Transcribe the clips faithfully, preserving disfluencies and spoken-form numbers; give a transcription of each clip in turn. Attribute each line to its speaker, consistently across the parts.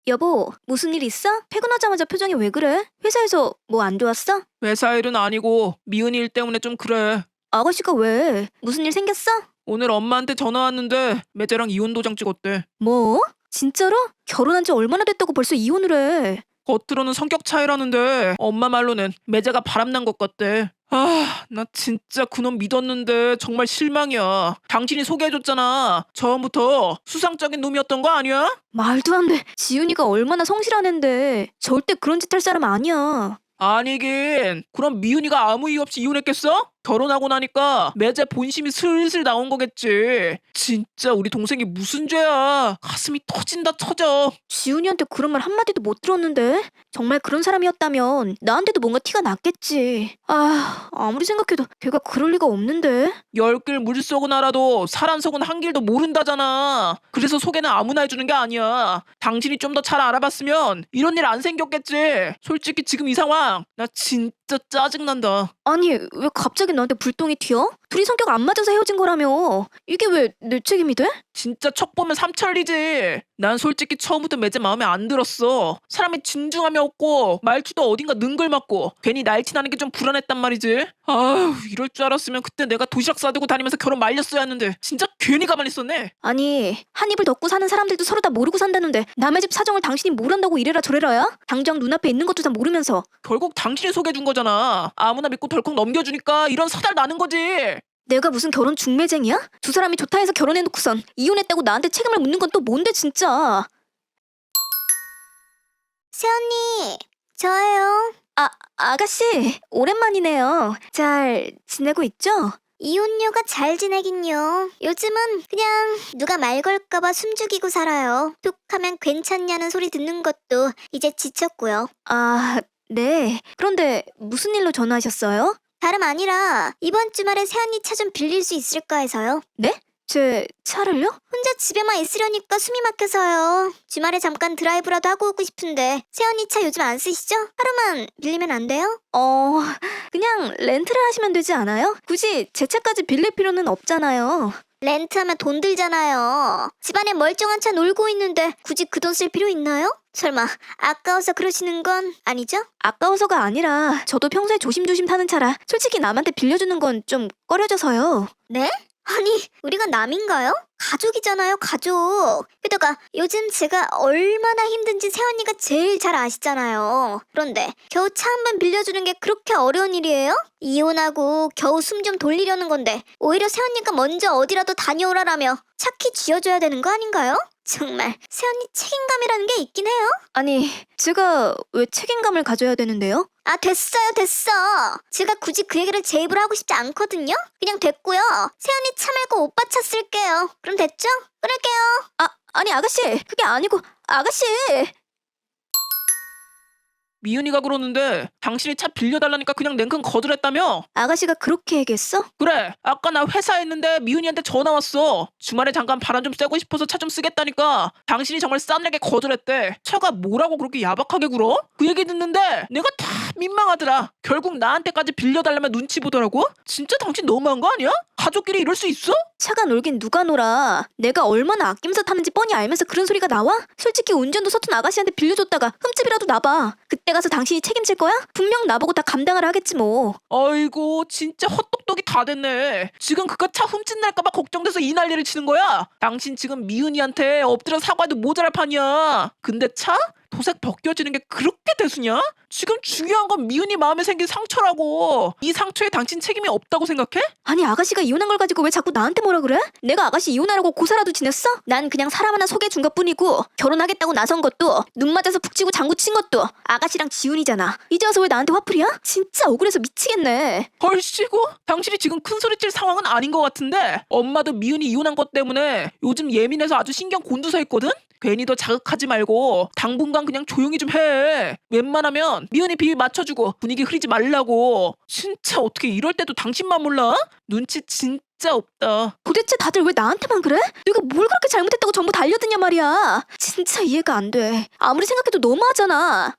Speaker 1: 여보, 무슨 일 있어? 퇴근하자마자 표정이 왜 그래? 회사에서 뭐 안 좋았어?
Speaker 2: 회사 일은 아니고 미은이 일 때문에 좀 그래.
Speaker 1: 아가씨가 왜? 무슨 일 생겼어?
Speaker 2: 오늘 엄마한테 전화 왔는데 매제랑 이혼 도장 찍었대.
Speaker 1: 뭐? 진짜로? 결혼한 지 얼마나 됐다고 벌써 이혼을 해?
Speaker 2: 겉으로는 성격 차이라는데 엄마 말로는 매제가 바람난 것 같대. 아, 나 진짜 그놈 믿었는데 정말 실망이야. 당신이 소개해줬잖아. 처음부터 수상적인 놈이었던 거 아니야?
Speaker 1: 말도 안 돼. 지훈이가 얼마나 성실한 앤데 절대 그런 짓 할 사람 아니야.
Speaker 2: 아니긴. 그럼 미은이가 아무 이유 없이 이혼했겠어? 결혼하고 나니까 매제 본심이 슬슬 나온 거겠지. 진짜 우리 동생이 무슨 죄야. 가슴이 터진다 터져.
Speaker 1: 지훈이한테 그런 말 한마디도 못 들었는데? 정말 그런 사람이었다면 나한테도 뭔가 티가 났겠지. 아, 아무리 생각해도 걔가 그럴 리가 없는데?
Speaker 2: 열 길 물속은 알아도 사람 속은 한 길도 모른다잖아. 그래서 소개는 아무나 해주는 게 아니야. 당신이 좀 더 잘 알아봤으면 이런 일 안 생겼겠지. 솔직히 지금 이 상황 나 진짜 짜증난다.
Speaker 1: 아니, 왜 갑자기 나한테 불똥이 튀어? 둘이 성격 안 맞아서 헤어진 거라며. 이게 왜 내 책임이 돼?
Speaker 2: 진짜 척 보면 삼천리지. 난 솔직히 처음부터 매제 마음에 안 들었어. 사람이 진중함이 없고 말투도 어딘가 능글맞고 괜히 날티나는 게 좀 불안했단 말이지. 아휴, 이럴 줄 알았으면 그때 내가 도시락 싸들고 다니면서 결혼 말렸어야 했는데 진짜 괜히 가만히 있었네.
Speaker 1: 아니, 한 입을 덮고 사는 사람들도 서로 다 모르고 산다는데 남의 집 사정을 당신이 모른다고 이래라 저래라야? 당장 눈앞에 있는 것도 다 모르면서.
Speaker 2: 결국 당신이 소개해준 거잖아. 아무나 믿고 덜컥 넘겨주니까 이런 사달 나는 거지.
Speaker 1: 내가 무슨 결혼 중매쟁이야? 두 사람이 좋다 해서 결혼해놓고선 이혼했다고 나한테 책임을 묻는 건 또 뭔데 진짜.
Speaker 3: 새언니, 저예요.
Speaker 1: 아, 아가씨, 오랜만이네요. 잘 지내고 있죠?
Speaker 3: 이혼녀가 잘 지내긴요. 요즘은 그냥 누가 말 걸까봐 숨죽이고 살아요. 툭 하면 괜찮냐는 소리 듣는 것도 이제 지쳤고요.
Speaker 1: 아, 네. 그런데 무슨 일로 전화하셨어요?
Speaker 3: 다름 아니라 이번 주말에 새언니 차 좀 빌릴 수 있을까 해서요.
Speaker 1: 네? 제 차를요?
Speaker 3: 혼자 집에만 있으려니까 숨이 막혀서요. 주말에 잠깐 드라이브라도 하고 오고 싶은데 새언니 차 요즘 안 쓰시죠? 하루만 빌리면 안 돼요?
Speaker 1: 어, 그냥 렌트를 하시면 되지 않아요? 굳이 제 차까지 빌릴 필요는 없잖아요.
Speaker 3: 렌트하면 돈 들잖아요. 집안에 멀쩡한 차 놀고 있는데 굳이 그 돈 쓸 필요 있나요? 설마 아까워서 그러시는 건 아니죠?
Speaker 1: 아까워서가 아니라 저도 평소에 조심조심 타는 차라 솔직히 남한테 빌려주는 건 좀 꺼려져서요.
Speaker 3: 네? 아니, 우리가 남인가요? 가족이잖아요, 가족. 게다가 요즘 제가 얼마나 힘든지 새언니가 제일 잘 아시잖아요. 그런데 겨우 차 한 번 빌려주는 게 그렇게 어려운 일이에요? 이혼하고 겨우 숨 좀 돌리려는 건데 오히려 새언니가 먼저 어디라도 다녀오라라며 차키 쥐어줘야 되는 거 아닌가요? 정말 새언니 책임감이라는 게 있긴 해요?
Speaker 1: 아니, 제가 왜 책임감을 가져야 되는데요?
Speaker 3: 아, 됐어요, 됐어. 제가 굳이 그 얘기를 제 입으로 하고 싶지 않거든요? 그냥 됐고요. 세연이 차 말고 오빠 차 쓸게요. 그럼 됐죠? 끊을게요.
Speaker 1: 아, 아니 아가씨, 그게 아니고 아가씨.
Speaker 2: 미은이가 그러는데 당신이 차 빌려달라니까 그냥 냉큼 거절했다며?
Speaker 1: 아가씨가 그렇게 얘기했어?
Speaker 2: 그래, 아까 나 회사에 있는데 미은이한테 전화 왔어. 주말에 잠깐 바람 좀 쐬고 싶어서 차 좀 쓰겠다니까 당신이 정말 싸늘하게 거절했대. 차가 뭐라고 그렇게 야박하게 굴어? 그 얘기 듣는데 내가 다 민망하더라. 결국 나한테까지 빌려달라면 눈치 보더라고? 진짜 당신 너무한 거 아니야? 가족끼리 이럴 수 있어?
Speaker 1: 차가 놀긴 누가 놀아. 내가 얼마나 아끼면서 타는지 뻔히 알면서 그런 소리가 나와? 솔직히 운전도 서툰 아가씨한테 빌려줬다가 흠집이라도 나봐. 그때 가서 당신이 책임질 거야? 분명 나보고 다 감당을 하겠지 뭐.
Speaker 2: 아이고 진짜 헛똑똑이 다 됐네. 지금 그깟 차 훔친 날까봐 걱정돼서 이 난리를 치는 거야? 당신 지금 미은이한테 엎드려 사과해도 모자랄 판이야. 근데 차? 도색 벗겨지는 게 그렇게 대수냐? 지금 중요한 건 미은이 마음에 생긴 상처라고. 이 상처에 당신 책임이 없다고 생각해?
Speaker 1: 아니 아가씨가 이혼한 걸 가지고 왜 자꾸 나한테 뭐라 그래? 내가 아가씨 이혼하라고 고사라도 지냈어? 난 그냥 사람 하나 소개준 것뿐이고 결혼하겠다고 나선 것도 눈 맞아서 푹 치고 장구 친 것도 아가씨랑 지훈이잖아. 이제 와서 왜 나한테 화풀이야? 진짜 억울해서 미치겠네.
Speaker 2: 헐씨고? 당신이 지금 큰소리칠 상황은 아닌 것 같은데 엄마도 미은이 이혼한 것 때문에 요즘 예민해서 아주 신경 곤두서 있거든? 괜히 더 자극하지 말고 당분간 그냥 조용히 좀 해. 웬만하면 미은이 비위 맞춰주고 분위기 흐리지 말라고. 진짜 어떻게 이럴 때도 당신만 몰라? 눈치 진짜 없다.
Speaker 1: 도대체 다들 왜 나한테만 그래? 내가 뭘 그렇게 잘못했다고 전부 달려드냐 말이야. 진짜 이해가 안 돼. 아무리 생각해도 너무하잖아.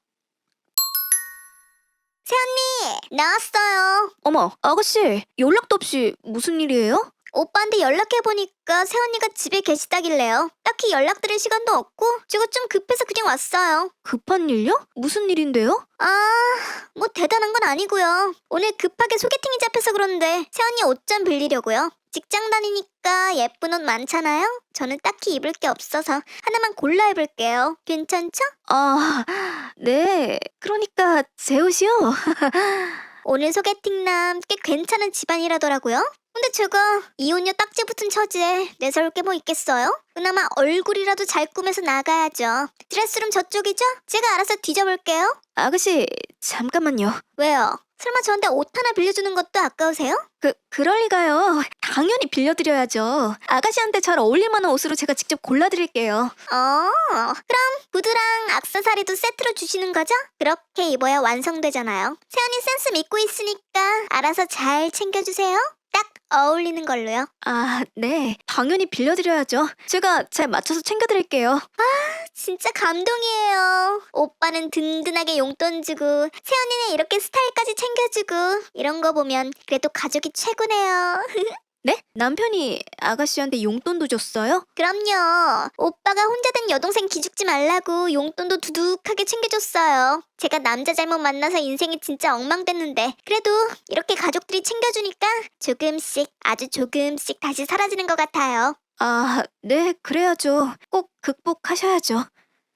Speaker 3: 새언니, 나왔어요.
Speaker 1: 어머, 아가씨 연락도 없이 무슨 일이에요?
Speaker 3: 오빠한테 연락해보니까 새언니가 집에 계시다길래요. 딱히 연락드릴 시간도 없고 제가 좀 급해서 그냥 왔어요.
Speaker 1: 급한 일요? 무슨 일인데요?
Speaker 3: 아, 뭐 대단한 건 아니고요. 오늘 급하게 소개팅이 잡혀서 그런데 새언니 옷 좀 빌리려고요. 직장 다니니까 예쁜 옷 많잖아요? 저는 딱히 입을 게 없어서 하나만 골라 입을게요. 괜찮죠?
Speaker 1: 아, 네. 그러니까 제 옷이요?
Speaker 3: 오늘 소개팅남 꽤 괜찮은 집안이라더라고요. 근데 제가 이혼녀 딱지 붙은 처지에 내세울 게 뭐 있겠어요? 그나마 얼굴이라도 잘 꾸며서 나가야죠. 드레스룸 저쪽이죠? 제가 알아서 뒤져볼게요.
Speaker 1: 아가씨, 잠깐만요.
Speaker 3: 왜요? 설마 저한테 옷 하나 빌려주는 것도 아까우세요?
Speaker 1: 그, 그럴 리가요. 당연히 빌려드려야죠. 아가씨한테 잘 어울릴 만한 옷으로 제가 직접 골라드릴게요.
Speaker 3: 어, 그럼 구두랑 액세서리도 세트로 주시는 거죠? 그렇게 입어야 완성되잖아요. 세연이 센스 믿고 있으니까 알아서 잘 챙겨주세요. 딱 어울리는 걸로요.
Speaker 1: 아, 네. 당연히 빌려드려야죠. 제가 잘 맞춰서 챙겨드릴게요.
Speaker 3: 진짜 감동이에요. 오빠는 든든하게 용돈 주고 세연이는 이렇게 스타일까지 챙겨주고 이런 거 보면 그래도 가족이 최고네요.
Speaker 1: 네? 남편이 아가씨한테 용돈도 줬어요?
Speaker 3: 그럼요. 오빠가 혼자 된 여동생 기죽지 말라고 용돈도 두둑하게 챙겨줬어요. 제가 남자 잘못 만나서 인생이 진짜 엉망됐는데 그래도 이렇게 가족들이 챙겨주니까 조금씩 아주 조금씩 다시 사라지는 것 같아요.
Speaker 1: 아, 네, 그래야죠. 꼭 극복하셔야죠.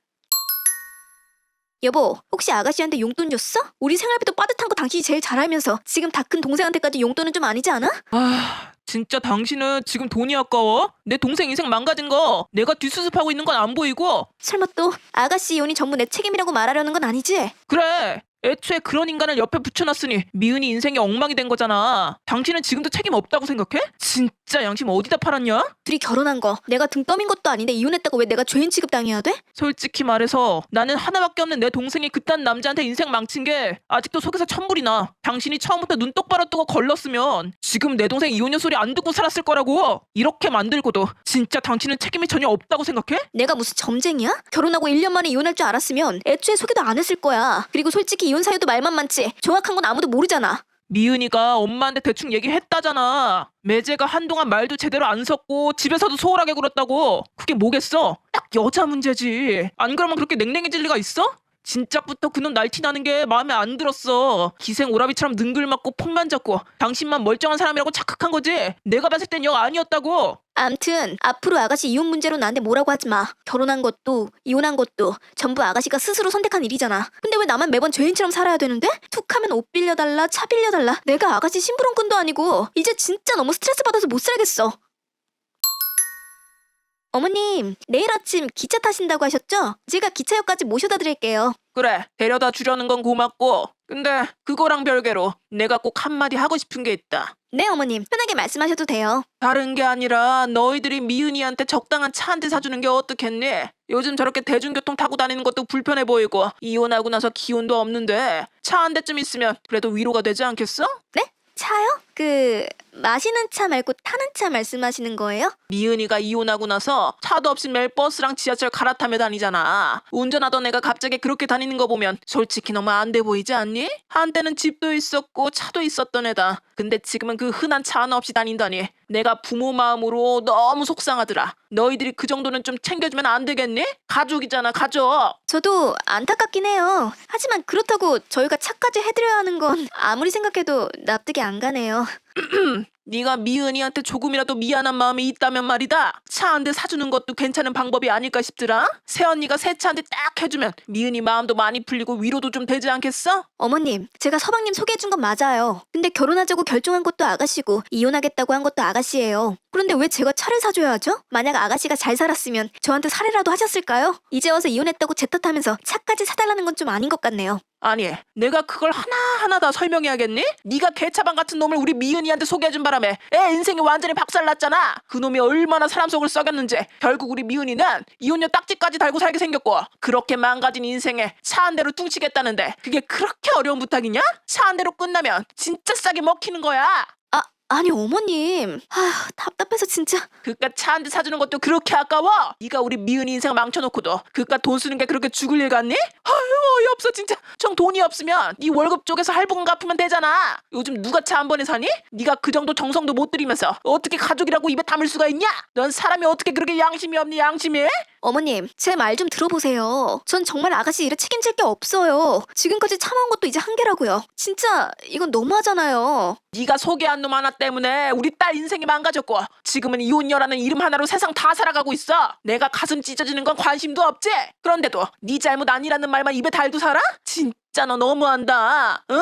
Speaker 1: 여보, 혹시 아가씨한테 용돈 줬어? 우리 생활비도 빠듯한 거 당신이 제일 잘 알면서 지금 다 큰 동생한테까지 용돈은 좀 아니지 않아?
Speaker 2: 아, 진짜 당신은 지금 돈이 아까워? 내 동생 인생 망가진 거 내가 뒷수습하고 있는 건 안 보이고?
Speaker 1: 설마 또 아가씨 이혼이 전부 내 책임이라고 말하려는 건 아니지?
Speaker 2: 그래, 애초에 그런 인간을 옆에 붙여놨으니 미은이 인생이 엉망이 된 거잖아. 당신은 지금도 책임 없다고 생각해? 진짜 양심 어디다 팔았냐?
Speaker 1: 둘이 결혼한 거 내가 등 떠민 것도 아닌데 이혼했다고 왜 내가 죄인 취급당해야 돼?
Speaker 2: 솔직히 말해서 나는 하나밖에 없는 내 동생이 그딴 남자한테 인생 망친 게 아직도 속에서 천불이 나. 당신이 처음부터 눈 똑바로 뜨고 걸렀으면 지금 내 동생 이혼녀 소리 안 듣고 살았을 거라고. 이렇게 만들고도 진짜 당신은 책임이 전혀 없다고 생각해?
Speaker 1: 내가 무슨 점쟁이야? 결혼하고 일 년 만에 이혼할 줄 알았으면 애초에 소개도 안 했을 거야. 그리고 솔직히 이혼 사유도 말만 많지 정확한 건 아무도 모르잖아.
Speaker 2: 미은이가 엄마한테 대충 얘기했다잖아. 매제가 한동안 말도 제대로 안 섰고 집에서도 소홀하게 굴었다고. 그게 뭐겠어? 딱 여자 문제지. 안 그러면 그렇게 냉랭해질 리가 있어? 진작부터 그놈 날티 나는 게 마음에 안 들었어. 기생 오라비처럼 능글맞고 폭만 잡고 당신만 멀쩡한 사람이라고 착각한 거지. 내가 봤을 땐 영 아니었다고.
Speaker 1: 암튼 앞으로 아가씨 이혼 문제로 나한테 뭐라고 하지 마. 결혼한 것도 이혼한 것도 전부 아가씨가 스스로 선택한 일이잖아. 근데 왜 나만 매번 죄인처럼 살아야 되는데? 툭하면 옷 빌려달라, 차 빌려달라. 내가 아가씨 심부름꾼도 아니고 이제 진짜 너무 스트레스 받아서 못 살겠어. 어머님, 내일 아침 기차 타신다고 하셨죠? 제가 기차역까지 모셔다 드릴게요.
Speaker 2: 그래, 데려다 주려는 건 고맙고. 근데 그거랑 별개로 내가 꼭 한마디 하고 싶은 게 있다.
Speaker 1: 네, 어머님. 편하게 말씀하셔도 돼요.
Speaker 2: 다른 게 아니라 너희들이 미은이한테 적당한 차 한 대 사주는 게 어떻겠니? 요즘 저렇게 대중교통 타고 다니는 것도 불편해 보이고 이혼하고 나서 기운도 없는데 차 한 대쯤 있으면 그래도 위로가 되지 않겠어?
Speaker 1: 네? 차요? 그... 마시는 차 말고 타는 차 말씀하시는 거예요?
Speaker 2: 미은이가 이혼하고 나서 차도 없이 매일 버스랑 지하철 갈아타며 다니잖아. 운전하던 애가 갑자기 그렇게 다니는 거 보면 솔직히 너무 안 돼 보이지 않니? 한때는 집도 있었고 차도 있었던 애다. 근데 지금은 그 흔한 차 하나 없이 다닌다니 내가 부모 마음으로 너무 속상하더라. 너희들이 그 정도는 좀 챙겨주면 안 되겠니? 가족이잖아, 가족.
Speaker 1: 저도 안타깝긴 해요. 하지만 그렇다고 저희가 차까지 해드려야 하는 건 아무리 생각해도 납득이 안 가네요.
Speaker 2: 네가 미은이한테 조금이라도 미안한 마음이 있다면 말이다. 차 한 대 사주는 것도 괜찮은 방법이 아닐까 싶더라. 새언니가 새 차 한 대 딱 해주면 미은이 마음도 많이 풀리고 위로도 좀 되지 않겠어?
Speaker 1: 어머님, 제가 서방님 소개해준 건 맞아요. 근데 결혼하자고 결정한 것도 아가씨고 이혼하겠다고 한 것도 아가씨예요. 그런데 왜 제가 차를 사줘야 하죠? 만약 아가씨가 잘 살았으면 저한테 살해라도 하셨을까요? 이제 와서 이혼했다고 제 탓하면서 차까지 사달라는 건 좀 아닌 것 같네요.
Speaker 2: 아니, 내가 그걸 하나하나 다 설명해야겠니? 네가 개차반 같은 놈을 우리 미은이한테 소개해준 바람에 애 인생이 완전히 박살났잖아. 그 놈이 얼마나 사람 속을 썩였는지. 결국 우리 미은이는 이혼녀 딱지까지 달고 살게 생겼고 그렇게 망가진 인생에 차 한 대로 퉁치겠다는데 그게 그렇게 어려운 부탁이냐? 차 한 대로 끝나면 진짜 싸게 먹히는 거야.
Speaker 1: 아, 아니 어머님, 아휴 답답해서 진짜.
Speaker 2: 그깟 차 한 대 사주는 것도 그렇게 아까워? 네가 우리 미은이 인생 망쳐놓고도 그깟 돈 쓰는 게 그렇게 죽을 일 같니? 아유 어이없어 진짜. 정 돈이 없으면 네 월급 쪽에서 할부금 갚으면 되잖아. 요즘 누가 차 한 번에 사니? 네가 그 정도 정성도 못 들이면서 어떻게 가족이라고 입에 담을 수가 있냐? 넌 사람이 어떻게 그렇게 양심이 없니 양심이?
Speaker 1: 어머님, 제 말 좀 들어보세요. 전 정말 아가씨 일에 책임질 게 없어요. 지금까지 참아온 것도 이제 한계라고요. 진짜 이건 너무하잖아요.
Speaker 2: 네가 소개한 놈 하나 때문에 우리 딸 인생이 망가졌고 지금은 이혼녀라는 이름 하나로 세상 다 살아가고 있어. 내가 가슴 찢어지는 건 관심도 없지? 그런데도 네 잘못 아니라는 말만 입에 달고 살아? 진짜 너 너무한다. 응?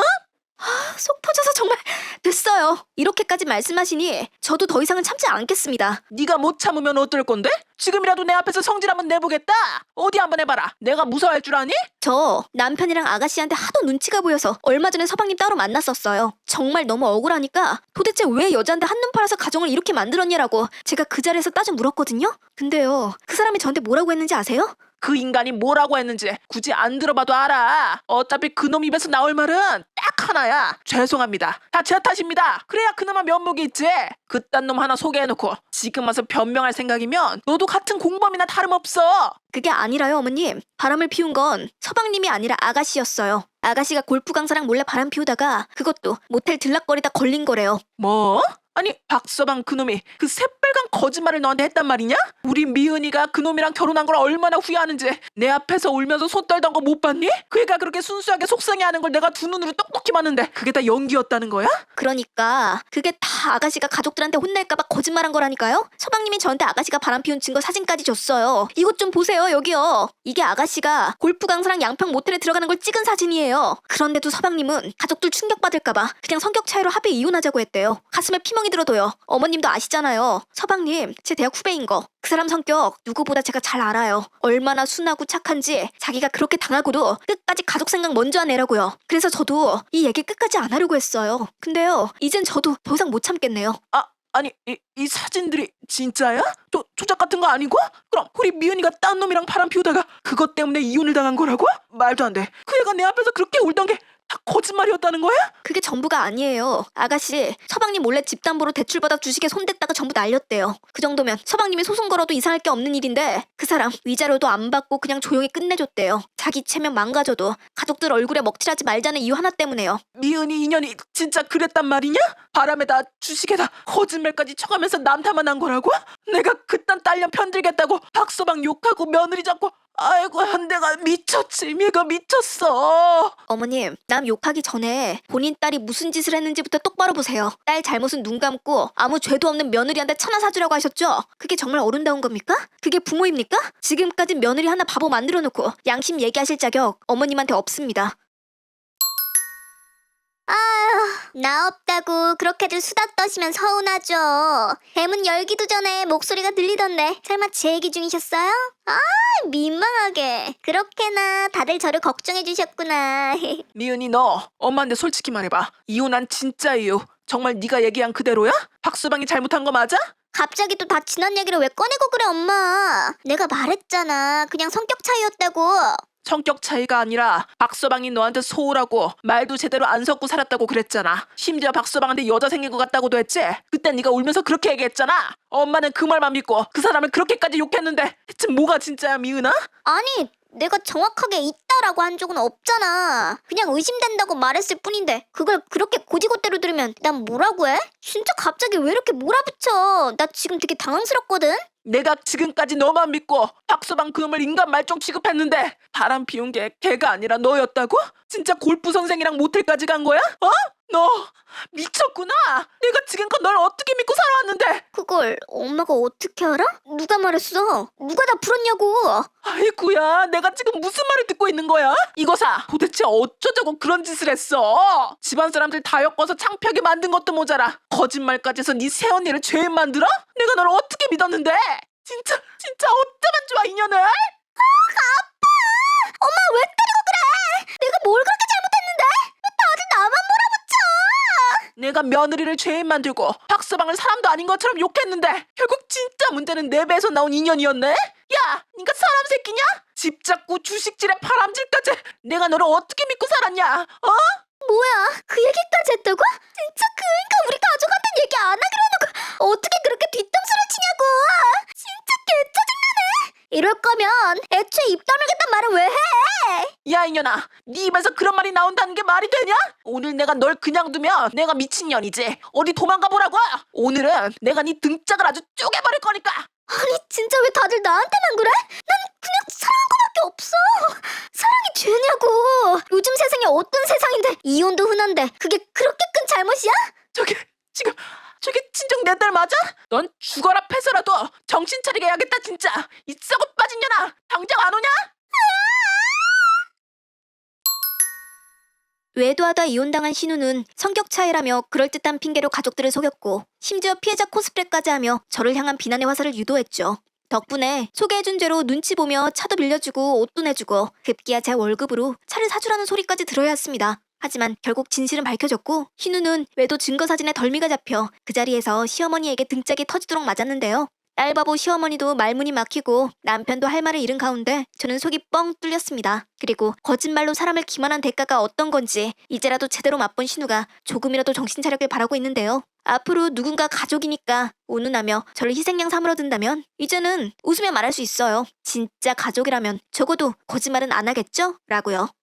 Speaker 1: 속 터져서 정말 됐어요. 이렇게까지 말씀하시니 저도 더 이상은 참지 않겠습니다.
Speaker 2: 네가 못 참으면 어떨 건데? 지금이라도 내 앞에서 성질 한번 내보겠다. 어디 한번 해봐라. 내가 무서워할 줄 아니?
Speaker 1: 저 남편이랑 아가씨한테 하도 눈치가 보여서 얼마 전에 서방님 따로 만났었어요. 정말 너무 억울하니까 도대체 왜 여자한테 한눈 팔아서 가정을 이렇게 만들었냐라고 제가 그 자리에서 따져 물었거든요. 근데요, 그 사람이 저한테 뭐라고 했는지 아세요?
Speaker 2: 그 인간이 뭐라고 했는지 굳이 안 들어봐도 알아. 어차피 그놈 입에서 나올 말은 딱 하나야. 죄송합니다. 다 제 탓입니다. 그래야 그나마 면목이 있지. 그딴 놈 하나 소개해놓고 지금 와서 변명할 생각이면 너도 같은 공범이나 다름없어.
Speaker 1: 그게 아니라요, 어머님. 바람을 피운 건 서방님이 아니라 아가씨였어요. 아가씨가 골프 강사랑 몰래 바람 피우다가 그것도 모텔 들락거리다 걸린 거래요.
Speaker 2: 뭐? 아니 박서방 그놈이 그 새빨간 거짓말을 너한테 했단 말이냐? 우리 미은이가 그놈이랑 결혼한 걸 얼마나 후회하는지 내 앞에서 울면서 손 떨던 거 못 봤니? 그 애가 그렇게 순수하게 속상해하는 걸 내가 두 눈으로 똑똑히 봤는데 그게 다 연기였다는 거야?
Speaker 1: 그러니까 그게 다 아가씨가 가족들한테 혼낼까봐 거짓말한 거라니까요? 서방님이 저한테 아가씨가 바람 피운 증거 사진까지 줬어요. 이것 좀 보세요, 여기요. 이게 아가씨가 골프 강사랑 양평 모텔에 들어가는 걸 찍은 사진이에요. 그런데도 서방님은 가족들 충격받을까봐 그냥 성격 차이로 합의 이혼하자고 했대요. 가슴에 피멍이 들어도요. 어머님도 아시잖아요. 서방님, 제 대학 후배인 거. 그 사람 성격 누구보다 제가 잘 알아요. 얼마나 순하고 착한지 자기가 그렇게 당하고도 끝까지 가족 생각 먼저 하내라고요. 그래서 저도 이 얘기 끝까지 안 하려고 했어요. 근데요, 이젠 저도 더 이상 못 참겠네요.
Speaker 2: 아 아니 이, 이 사진들이 진짜야? 조, 조작 같은 거 아니고? 그럼 우리 미은이가 딴 놈이랑 바람 피우다가 그것 때문에 이혼을 당한 거라고? 말도 안 돼. 그 애가 내 앞에서 그렇게 울던 게 다 거짓말이었다는 거야?
Speaker 1: 그게 전부가 아니에요. 아가씨, 서방님 몰래 집담보로 대출받아 주식에 손댔다가 전부 날렸대요. 그 정도면 서방님이 소송 걸어도 이상할 게 없는 일인데 그 사람 위자료도 안 받고 그냥 조용히 끝내줬대요. 자기 체면 망가져도 가족들 얼굴에 먹칠하지 말자는 이유 하나 때문에요.
Speaker 2: 미은이 인연이 진짜 그랬단 말이냐? 바람에다 주식에다 거짓말까지 쳐가면서 남탓만 한 거라고? 내가 그딴 딸년 편들겠다고 박서방 욕하고 며느리 잡고 아이고 한대가 미쳤지. 얘가 미쳤어.
Speaker 1: 어머님, 남 욕하기 전에 본인 딸이 무슨 짓을 했는지부터 똑바로 보세요. 딸 잘못은 눈 감고 아무 죄도 없는 며느리한테 천하 사주라고 하셨죠? 그게 정말 어른다운 겁니까? 그게 부모입니까? 지금까지 며느리 하나 바보 만들어 놓고 양심 얘기하실 자격 어머님한테 없습니다.
Speaker 3: 아휴, 나 없다고 그렇게들 수다 떠시면 서운하죠. 대문 열기도 전에 목소리가 들리던데 설마 제 얘기 중이셨어요? 아, 민망하게. 그렇게나 다들 저를 걱정해 주셨구나.
Speaker 2: 미은이 너 엄마한테 솔직히 말해봐. 이혼한 진짜 이유 정말 네가 얘기한 그대로야? 박서방이 잘못한 거 맞아?
Speaker 3: 갑자기 또 다 지난 얘기를 왜 꺼내고 그래, 엄마. 내가 말했잖아. 그냥 성격 차이였다고.
Speaker 2: 성격 차이가 아니라 박서방이 너한테 소홀하고 말도 제대로 안 섞고 살았다고 그랬잖아. 심지어 박서방한테 여자 생긴 것 같다고도 했지? 그땐 네가 울면서 그렇게 얘기했잖아. 엄마는 그 말만 믿고 그 사람을 그렇게까지 욕했는데 대체 뭐가 진짜야 미은아?
Speaker 3: 아니, 내가 정확하게 있다라고 한 적은 없잖아. 그냥 의심된다고 말했을 뿐인데 그걸 그렇게 고지고대로 들으면 난 뭐라고 해? 진짜 갑자기 왜 이렇게 몰아붙여? 나 지금 되게 당황스럽거든?
Speaker 2: 내가 지금까지 너만 믿고 박서방 그놈을 인간 말종 취급했는데 바람 피운 게 걔가 아니라 너였다고? 진짜 골프 선생이랑 모텔까지 간 거야? 어? 너 미쳤구나. 내가 지금껏 널 어떻게 믿고 살아왔는데.
Speaker 3: 그걸 엄마가 어떻게 알아? 누가 말했어? 누가 다 풀었냐고.
Speaker 2: 아이고야, 내가 지금 무슨 말을 듣고 있는 거야? 이거사, 도대체 어쩌자고 그런 짓을 했어? 집안 사람들 다 엮어서 창피하게 만든 것도 모자라 거짓말까지 해서 네 새언니를 죄인 만들어? 내가 널 어떻게 믿었는데? 진짜 진짜 어쩌면 좋아 인연을?
Speaker 3: 엄마 왜 때리고 그래? 내가 뭘 그렇게 잘못했는데? 왜 다들 나만 몰아붙여?
Speaker 2: 내가 며느리를 죄인 만들고 박서방을 사람도 아닌 것처럼 욕했는데 결국 진짜 문제는 내 배에서 나온 인연이었네? 야, 니가 사람 새끼냐? 집 잡고 주식질에 바람질까지 내가 너를 어떻게 믿고 살았냐? 어?
Speaker 3: 뭐야? 그 얘기까지 했다고? 진짜 그러니까 우리 가족한테 얘기 안 하기로 해놓고 어떻게 그렇게 뒷담수를 치냐고! 진짜 개짜증나네! 이럴 거면 애초에 입 다물겠단 말을 왜 해?
Speaker 2: 야 이년아, 네 입에서 그런 말이 나온다는 게 말이 되냐? 오늘 내가 널 그냥 두면 내가 미친년이지. 어디 도망가 보라고. 오늘은 내가 네 등짝을 아주 쪼개버릴 거니까.
Speaker 3: 아니 진짜 왜 다들 나한테만 그래? 난 그냥 사랑한 거밖에 없어. 사랑이 죄냐고. 요즘 세상이 어떤 세상인데 이혼도 흔한데 그게 그렇게 큰 잘못이야?
Speaker 2: 저게 지금 저게 친정 내 딸 맞아? 넌 죽어라 패서라도 정신 차리게 해야겠다 진짜. 이 썩어 빠진 년아, 당장 안 오냐?
Speaker 1: 외도하다 이혼당한 신우는 성격 차이라며 그럴듯한 핑계로 가족들을 속였고 심지어 피해자 코스프레까지 하며 저를 향한 비난의 화살을 유도했죠. 덕분에 소개해준 죄로 눈치 보며 차도 빌려주고 옷도 내주고 급기야 제 월급으로 차를 사주라는 소리까지 들어야 했습니다. 하지만 결국 진실은 밝혀졌고 신우는 외도 증거 사진에 덜미가 잡혀 그 자리에서 시어머니에게 등짝이 터지도록 맞았는데요. 딸바보 시어머니도 말문이 막히고 남편도 할 말을 잃은 가운데 저는 속이 뻥 뚫렸습니다. 그리고 거짓말로 사람을 기만한 대가가 어떤 건지 이제라도 제대로 맛본 신우가 조금이라도 정신 차리길 바라고 있는데요. 앞으로 누군가 가족이니까 운운하며 저를 희생양 삼으러 든다면 이제는 웃으며 말할 수 있어요. 진짜 가족이라면 적어도 거짓말은 안 하겠죠? 라고요.